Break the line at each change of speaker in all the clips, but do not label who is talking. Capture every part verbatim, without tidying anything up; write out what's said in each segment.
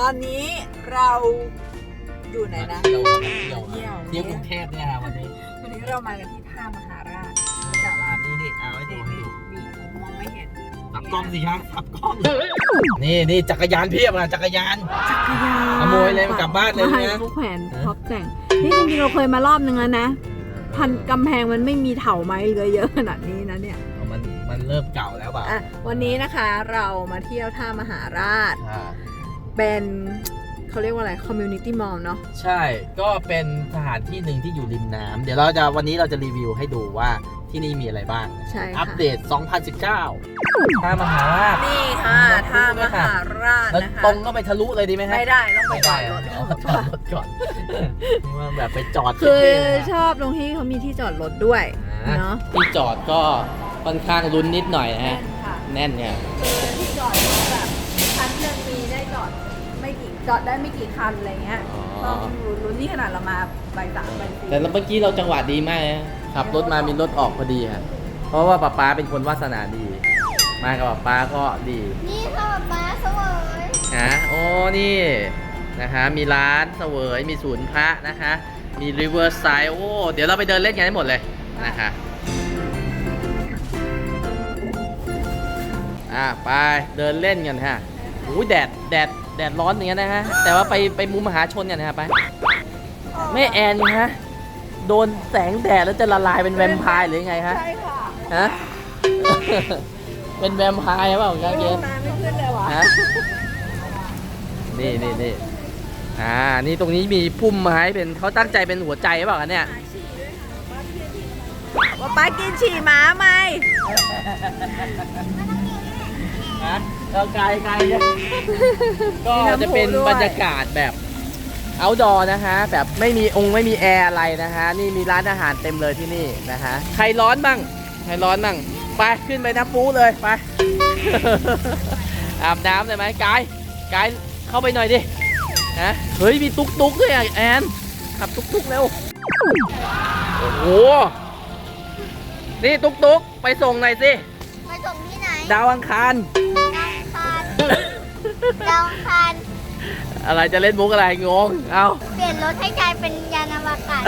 อนนี้เราอยู่ไหนนะ
เที่ยวเที่ยว
เที่ยว
เที่ยวกรุงเทพเนี่ยครับวันนี้
วันนี้เรามากันที่ท่ามหาราช
ร้านนี้นี่เอาให้ดูให้ดู
มีมองไม่เห็น
ขับกล้องสิครับขับกล้องนี่นี่จักรยานเพียบนะจักรยาน
จักรยาน
ขโมยเลยกลับบ้านเลยนะ
ไม่เขาแขวนท็อปแต่งนี่จริงๆเราเคยมารอบนึงแล้วนะพันกำแพงมันไม่มีเถาไม้เลยเยอะขนาดนี้นะเนี่ย
มันมันเริ่มเก่าแล้วเปล่า
อ่ะวันนี้นะคะเรามาเที่ยวท่ามหาราช
อ่า
เป็นเขาเรียกว่าอะไร community mall เนาะ
ใช่ก็เป็นสถานที่หนึ่งที่อยู่ริมน้ำเดี๋ยวเราจะวันนี้เราจะรีวิวให้ดูว่าที่นี่มีอะไรบ้าง
ใช่
อัป
ค่ะ
เดต สองพันสิบเก้า ท่ามหาราช
นี่ค่ะท่ามหาราช
แล้ว
นะคะ
ตรงก็ไปทะลุเลยดีไหมฮะ
ไม่ได้ต้องไป
ไม่
จอ
ได้
ดรถ
เอาจอดรถก่อนนี่ว่าแบบไปจอด
คือ
เท่ๆนะ
ชอบตรงที่เขามีที่จอดรถด้วย
อ่า
เนาะ
ที่จอดก็ค่อนข้างลุ้นนิดหน่อยนะฮะ
ค่ะ
แน่นเนี่ย
คือที่จอดรถแบบคันหนึ่งมีได้จอดไม่กี่จอดได้ไม่กี่คันอะไรเงี้ย
อ๋อ
ต้องลุ้นนี่ขนาดเรามาใบสามใบสี่
แต่เมื่อกี้เราจังหวะดีมากนะขับรถมามีรถออกพอดีฮะเพราะว่าป๊าป๊าเป็นคนวาสนาดี มากับป๊าป๊าก็ดี
นี่ค่ะป๊าเสวย
นะโอ้นี่นะคะมีร้านเสวยมีศูนย์พระนะคะมี Riverside โอ้เดี๋ยวเราไปเดินเล่นกันให้หมดเลยนะคะอ่ะไปเดินเล่นกันฮะโอ้ยแดดแดดแดดร้อนอย่างเงี้ยนะฮะแต่ว่าไปไปมุมมหาชนกันนะฮะไปแม่แอนฮะโดนแสงแดดแล้วจะละลายเป็นแวมไพร์หรือยังไงฮะ
ใช่ค่ะ
ฮะ เป็นแวมไพร์เปล่าครับเก
ล
ม
งน้ำไม่ขึ้นเลยวะ
ฮะนี่นี่นี่อ่านี่ตรงนี้มีพุ่มไม้เป็นเขาตั้งใจเป็นหัวใจหรือเปล่าคะเนี่ย
ว่าป้ากินฉี่หมาไหม
ฮะเราไกลไกลก็จะเป็นบรรยากาศแบบเอาดอนะฮะแบบไม่มีองค์ไม่มีแอร์อะไรนะฮะนี่มีร้านอาหารเต็มเลยที่นี่นะฮะใครร้อนบ้างใครร้อนบ้างไปขึ้นไปน้ำปูเลยไป อาบน้ำเลยไหมกายกายเข้าไปหน่อยดิฮะเฮ้ยมีตุ๊กตุ๊กด้วยอ่ะแอนขับตุ๊กตุ๊กเร็วโอ้โหนี่ตุ๊กตุ๊กไปส่งหน่อยสิ
ไปส่งที่ไหน
ดาวอังคาร
ดาวอังคารดาวอังคาร
อะไรจะเล่นมุกอะไรงงเอา
เปลี่ยนรถให้กลายเป็นยานอวกาศ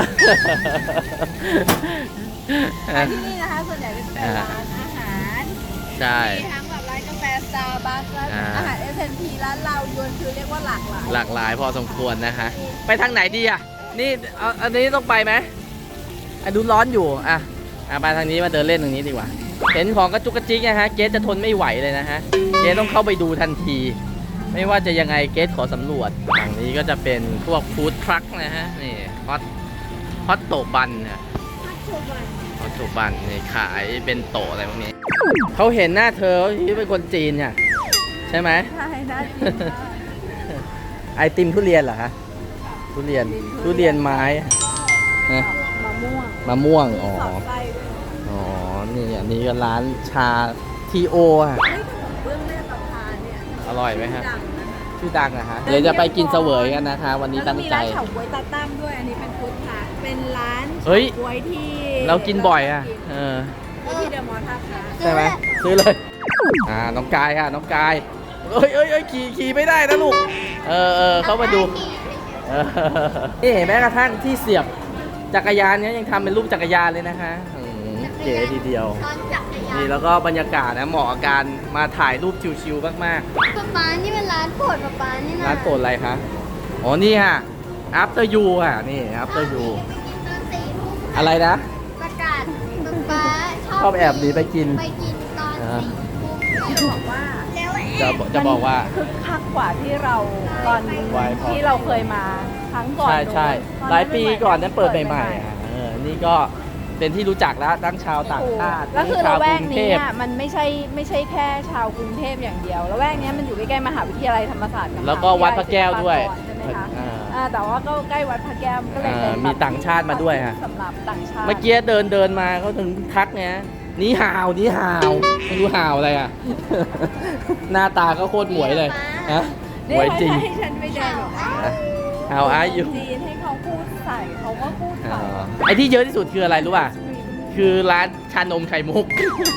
ที่นี่นะคะส่วนใหญ่เป็นร้านอาหาร
ใช่
มีทั้งแบบร้านกาแฟสตาร์บัคร้าน
อ่า
อาหารเอสเอ็นพีร้านเรายวนคือเรียกว่าหลากหลาย
หลากหลายพอสมควรนะคะไปทางไหนดีอ่ะนี่เอาอันนี้ต้องไปไหมอันดูร้อนอยู่อ่ะอ่ะไปทางนี้มาเดินเล่นตรงนี้ดีกว่าเห็นของกระจุกกระจิกนะฮะเกสจะทนไม่ไหวเลยนะฮะเกสต้องเข้าไปดูทันที ไม่ว่าจะยังไงเกสขอสำรวจฝั่งนี้ก็จะเป็นพวกฟู้ดทรัคนะฮะนี่ฮอตฮอตโตบันนะฮอตโตบันนี่ขายเป็นโตอะไรพวกนี้เขาเห็นหน้าเธอเขาคิดเป็นคนจีนเนี่ยใช่ไหม
ใช่น่ากินมาก
ไอติมทุเรียนเหรอคะทุเรียนทุเรียนไม้นะ
มะม่วง
มะม่วงอ๋อ
สอดไส้ด้วย
อ๋อนี่อันนี้ก็ร้านชาทีโออ่ะ
เฮ้ยขนมเบื้องแม่ประพาเนี่ย
อร่อยไหมฮะ
ดังนะคะ
ชื่อดังนะฮะเดี๋ยวจะไปกินเสวยกันนะคะ วันนี้ตั้งใจ
แล้วก็มีร้านเฉาก๊วยตาตั้มด้วยอันนี้เป็นฟู้ดทรัคเป็นร้าน
เฮ้ย
เฉาก๊วยที่
เรากินบ่อยอ่ะเออ
ที่เดอะมอลล์ท่าพระ
ใช่ไหมซื้อเลยอ่าน้องกายค่ะน้องกายเอ้ยเอ้ยเอ้ยขี่ขี่ไม่ได้นะลูกเออเออเขามาดูเออนี่แม้กระทั่งที่เสียบจักรยานเนี้ยยังทำเป็นรูปจักรยานเลยนะคะอืมเก๋ทีเดียว
ตอนจักรยาน
นี่แล้วก็บรรยากาศนะเหมาะกับการมาถ่ายรูปชิวๆมาก
ป๊าป๊านี่เป็นร้านโปรดป๊าป๊านี่
ๆ
นะ
ร้านโปรดอะไรคะอ๋อนี่ค่ะ after you ค่ะนี่ after you
ตอนสี่ทุ่ม
อะไรนะ
ประกาศป๊าป๊าชอบ
ชอบแอบหนีไปกิน
ไปกินตอน
อ่า
สี่ทุ่ม
จะบอกว่า
แล้วแอ
จะ
บ
จะบอกว่า
คึกคักกว่าที่เราตอน
ไวพอ
ที่เราเคยมาครั้งก่อน
ใช่ใช่
ตอนนั้น
หลายปีก่อนนั้นเปิดใหม่
ใหม่
ๆอ่ะเออนี่ก็เป็นที่รู้จักแล้วทั้งชาวต่างชาติ
ก็
ทั้ง
คือ
ชาว
ละแว
ก
ก
รุงเท
นี้
พ
อะมันไม่ใช่ไม่ใช่แค่ชาวกรุงเทพอย่างเดียวละแวกนี้มันอยู่ใกล้ๆมหาวิทยาลัยธรรมศาสตร์กับ
แล้วก็วัดพระแก้วด้วย
มหาวิทยาลัยศิลปากรใช่ไหมคะ
อ่า
อ่าแต่ว่าก็ใกล้วัดพระแก้วก็เลยเป็น
อ่า
แบบ
มีต่างชาติมาด้วยฮะ
สำหรับต่างชาติ
เมื่อกี้เดินเดินมาเขาถึงทักเนี่ยนี่ห่าวนี่ห่าวไม่รู้ห่าวอะไรอ่ะ หน้าตาก็โคตรหมวยเลยฮะห
นี่
มวยจริง
ให้ฉันไปเดินแบบว่า
ห่าวอายุ
จีนให้เขาพูดใส่เขาก็พูดใส่
ไอที่เยอะที่สุดคืออะไรรู้ป่ะ คือร้านชานมไข่มุก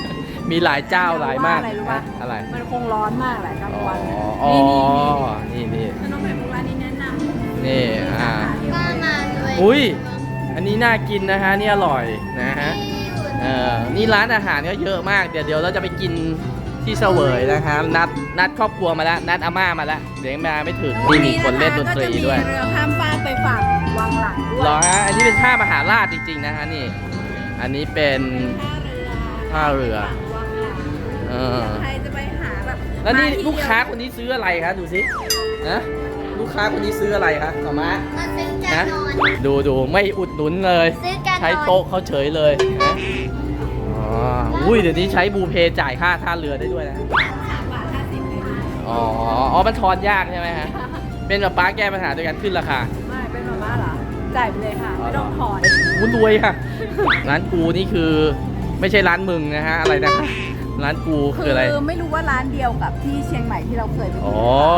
มีหลายเจ้าหลายมาก
อะไรรู้ปะ
นะอะไร
มันคงร้อนมากแหละกลาง
อ๋อ
วันเนี่ย
อ๋อ
นี่
นี่นี่
ขนมไข่มุกร้านนี้แนะนำ
นี่อ่า
ก็มาด้วย
อุ้ยอันนี้น่ากินนะฮะนี่อร่อยนะฮะเออนี่ร้านอาหารก็เยอะมากเดี๋ยวเดี๋ยวเราจะไปกินที่เสวยนะคะนัดนัดครอบครัวมาแล้วนัดอาม่ามาแล้วเดี๋ยวมาไม่ถึงนี่มีคนเล่นดนตรีด้วย
ก็จะมีเรือข้ามฟากไปฝั่งวังหลังด้วย
เหรอฮะอันนี้เป็นท่ามหาราชจริงๆนะฮะนี่ อันนี้เป็นท่าเรือ
วังหลัง
เออ
ใครจะไปหาแบบ
แล้วนี่
มที่
ลูกค้า
เดียว
คนนี้ซื้ออะไรคะดูสินะลูกค้าคนนี้ซื้ออะไรคะหมอม้า
มาซื้อจา
นะ
นนอน
ดูดูไม่อุดหนุนเลย
ซื้อจานนอน
ใช้โต๊ะเขาเฉยเลยนะอ๋ออุ้ยเดี๋ยวนี้ใช้บูเพย์จ่ายค่าท่าเรือได้ด้วยนะ
สามบาทห้าสิบเลยค่ะ
อ๋ออ๋อมันทอนยากใช่ไหมฮะเป็นแบบป้าแก้ปัญหาโดยการขึ้นราคา
ไม่เป็นมาม่าเหรอจ่ายไปเลยค่ะไม่ต้องถอน
วุ้นรวยค่ะ ร้านกูนี่คือไม่ใช่ร้านมึงนะฮะอะไรนะคะร้านกูคืออะไร
คือไม่รู้ว่าร้านเดียวกับที่เชียงใหม่ที่เราเคยไป
อ๋
กิ
อน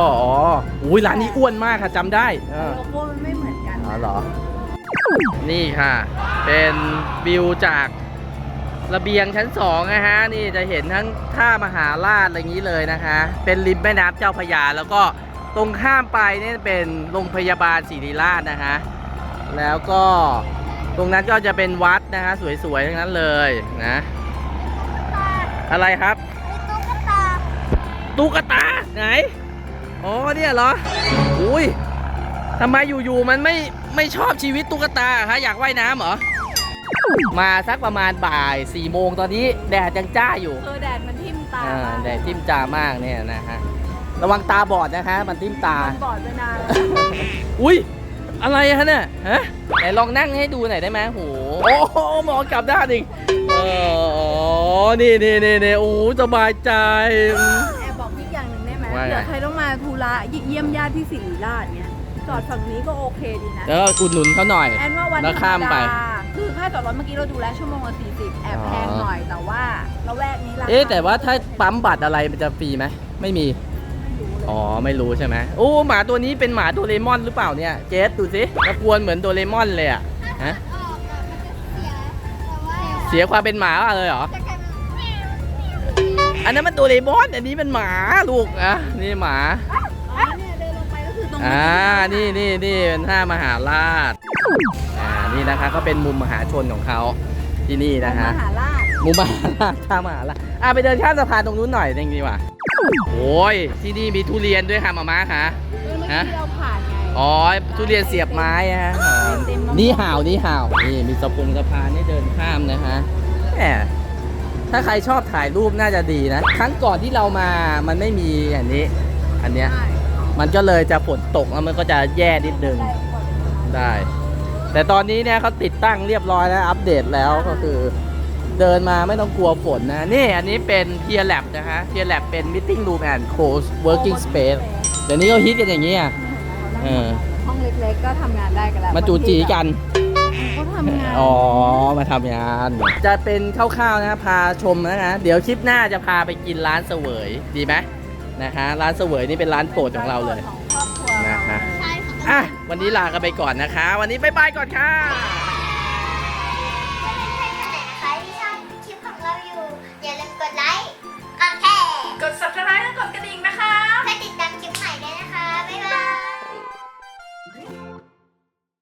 อ๋ออุ้ยร้านนี้อ้วนมากค่ะจำได้เออ
โลโก้มันไม่เหมือนกัน
อ๋อเหรอ นี่ค่ะ เป็นวิวจากระเบียงชั้นสองนะฮะ นี่จะเห็นทั้งท่ามหาราชอะไรอย่างนี้เลยนะคะ เป็นริมแม่น้ำเจ้าพระยา แล้วก็ตรงข้ามไปนี่เป็นโรงพยาบาลศิริราชนะคะ แล้วก็ตรงนั้นก็จะเป็นวัดนะคะ สวยๆทั้งนั้นเลยนะ อะไรครับ
มีตุ๊กตา
ตุ๊กตาไหน อ๋อเนี่ยเหรอ อุ้ยทำไมอยู่ๆมันไม่ไม่ชอบชีวิตตุ๊กตาฮะอยากว่ายน้ำเหรอ มาสักประมาณบ่ายสี่โมงตอนนี้แดดยังจ้าอยู่
คือแดดมันทิ่มตา
อ่าแดดทิ่มจ้ามากเนี่ยนะฮะ ระวังตาบอดนะคะมันทิ่มตา
มันบอดไปนานแล้ว
อุ้ยอะไรฮะเนี่ยฮะไหนลองนั่งให้ดูหน่อยได้ไหมโหโอ้โหหมอกลับด้านอีกเอออ๋อนี่นี่นี่นี่โอ้สบายใจ
แอบบอกอีกอย่างหนึ่งได้ไหม
ว่าไง
เดี๋ยวใครต้องมาธุระเยี่ยมญาติที่ศิริราชเนี่ยจอดฝั่งนี้ก็โอเคดีนะ
แล้วอุดหนุนเขาหน่อย
แอนว่าวัน
แล้ว
ธร
ข้าร ม
ม
ไป
ดาคือค่าจอดรถเมื่อกี้เราดูแล้วชั่วโมงละสี่สิบแอบแพงหน่อยแต่ว่าละแวกนี้ราคา
เอ๊ะแต่ว่าถ้าปั๊มบัตรอะไรมันจะฟรีไหมไม่มี อ๋อไม่รู้ใช่ไหมโอ้หมาตัวนี้เป็นหมาโดเรมอนหรือเปล่าเนี่ยเจสดูสิตะกวนเหมือนโดเรมอนเลยอะฮะ
ออกอะมันจะเสียแต่ว่า
เสียความเป็นหมาเลยเหรอ
จะกลายเป็น
อันนั้นมันโดเรมอนอันนี้เป็นหมาลูกอ่ะนี่หมา
อ๋อเนี่ยเดินลงไปก็คือตรง
อ่านี่นี่นี่เป็นท่ามหาราชอ่านี่นะคะก็เป็นมุมมหาชนของเขาที่นี่นะ
ม
ฮะ
หาราช
มุมมหาราชท่ามหาราชอ่ะไปเดินข้ามสะพานตรงนู้นหน่อยจริงดีกว่าโอ้ยที่นี่มีทุเรียนด้วยค่ะมาม่าค่ะ
เออเมื่อ
ฮะ
กี้เราผ่านไง
อ๋อทุเรียนเสียบไม้อะฮะอ๋อ
เต็มๆมะม่วง
นี่ห่าวนี่ห่าวนี่มีสะพงสะพานให้เดินข้ามนะฮะแหมถ้าใครชอบถ่ายรูปน่าจะดีนะ ครั้งก่อนที่เรามามันไม่มีอย่างนี้ อันเนี้ย
ใช่
มันก็เลยจะฝนตกแล้วมันก็จะแย่นิดนึงได้ แต่ตอนนี้เนี่ยเขาติดตั้งเรียบร้อยแล้วอัปเดตแล้วก็คือเดินมาไม่ต้องกลัวฝนนะ นี่อันนี้เป็นเทียร์แลบนะฮะเทียร์แลบเป็น meeting room and co-working space เดี๋ยวนี้เขาฮิตกันอย่างนี้อ่ะ เออ
ห้องเล็กๆก็ทำงานได้กันแล้ว
มาจูจีกัน
ก็ทำงาน
อ๋อ มาทำงาน จะเป็นคร่าวๆนะพาชมนะฮะเดี๋ยวคลิปหน้าจะพาไปกินร้านเสวยดีไหมนะฮะร้านเสวยนี่เป็นร้านโปรดของเราเลย
ของครอบครัว
นะฮะ
ใช่ค่ะ
อ่ะวันนี้ลากันไปก่อนนะคะ วันนี้บ๊ายบายก่อนค่ะ